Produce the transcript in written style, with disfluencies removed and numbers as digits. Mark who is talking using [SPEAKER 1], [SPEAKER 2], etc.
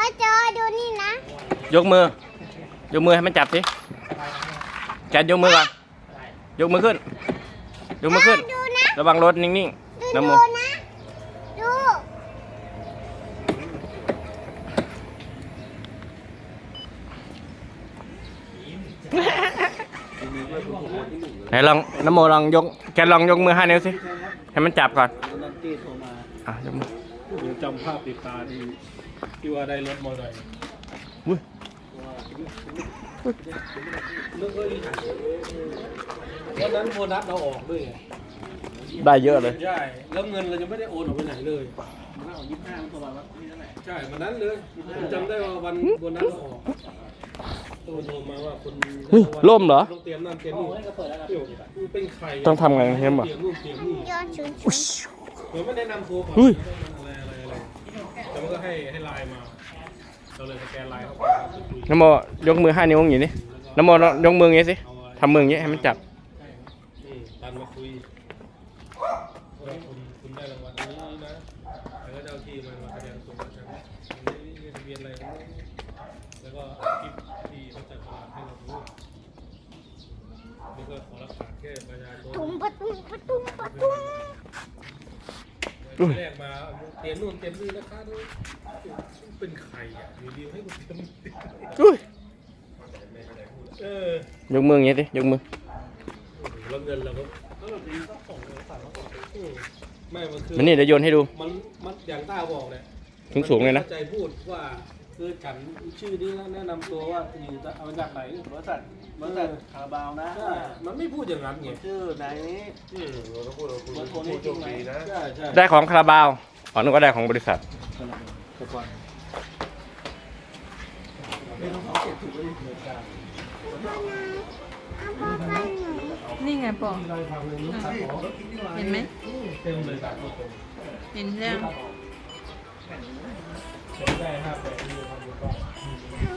[SPEAKER 1] จอดูนี่นะ
[SPEAKER 2] ยกมือให้มันจับสิแกนยกมือก่อนยกมือขึ้นระวังรถนิ่งๆน้ำโม
[SPEAKER 1] ดู
[SPEAKER 2] ไหนลองน้ำโมลองยกแกลองยกมือ5 นิ้วสิให้มันจับก่อนยกมือ
[SPEAKER 3] เดี๋ยวจำภาพติดตาที่ว่าได้รถมอเตอร์ไซค์วันนั้นโบนัสเราออกด้วย
[SPEAKER 2] ได้เยอะเลย
[SPEAKER 3] ใช่แล้วเงินเราจะไม่ได้โอนออกไปไหนเลยมันออก25มันตัวละใช่วันนั้นเลยจำได้ว่าวันโบนัสเราออกโทรมาว่าคน
[SPEAKER 2] ล่มเหรอ
[SPEAKER 3] ต้องเตรียมนั่นเตรียมนี่เป็นใคร
[SPEAKER 2] ต้องทำไงเห็นป่ะ
[SPEAKER 1] ย้อนชุน
[SPEAKER 3] เหมือนไม่แนะนำตัวก่อนอะไรแต่มันก็ให้ไลน์มาเราเลยสแกนไลน์เข้าไป
[SPEAKER 2] น้ำโมยกมือ5 นิ้วอย่างนี้น้ำโมยกมืออย่างนี้สิทำมืออย่างนี้ให้มันจับ
[SPEAKER 3] ตันมาคุยคุณได้รางวัลนี้นะแล้วก็เจ้าที่มาแสดงตัวใช่ไหมมีทะเบียนอะไรแล้วก็คลิปที่เขาจัดตลาดให้เราดูนี่ก็ขอรักษาแค่ประชาชน
[SPEAKER 1] ปะตุ้ม
[SPEAKER 3] แรกมาเตรียมนู่นเตรียมนี่นะคะด้วยเป็นใครอ่ะอยู่ดีให้กูเตรียม
[SPEAKER 2] ยกมืออย่างนี้สิยกมือ
[SPEAKER 3] แล้วเงินเราก็เราดีก็ส่งเลยสั่งเขาบอกไม่มันคือ
[SPEAKER 2] มันนี่เดี๋ยวโยนให้ดู
[SPEAKER 3] มันอย่างต้าบอกเนี่ย
[SPEAKER 2] สูงเลยนะ
[SPEAKER 3] ใจพูดว่าคือฉันชื่อนี้แล้วแนะนำตัวว่าอยู่เอามาจากไหนบริษัทคาราบาวนะมันไม่พูดอย่างนั้นไง
[SPEAKER 4] ชื่อไหน
[SPEAKER 3] เราต้องพูดคนนี้จริงไหมใช่
[SPEAKER 2] ได้ของคาราบาวอ๋อนึกว่าได้ของบริษัท
[SPEAKER 5] นี่ไงปอเห็นไหม
[SPEAKER 3] เต็มเลย
[SPEAKER 5] เห็นแล้ว
[SPEAKER 3] ได้5 8ที่ทำอยู่ก็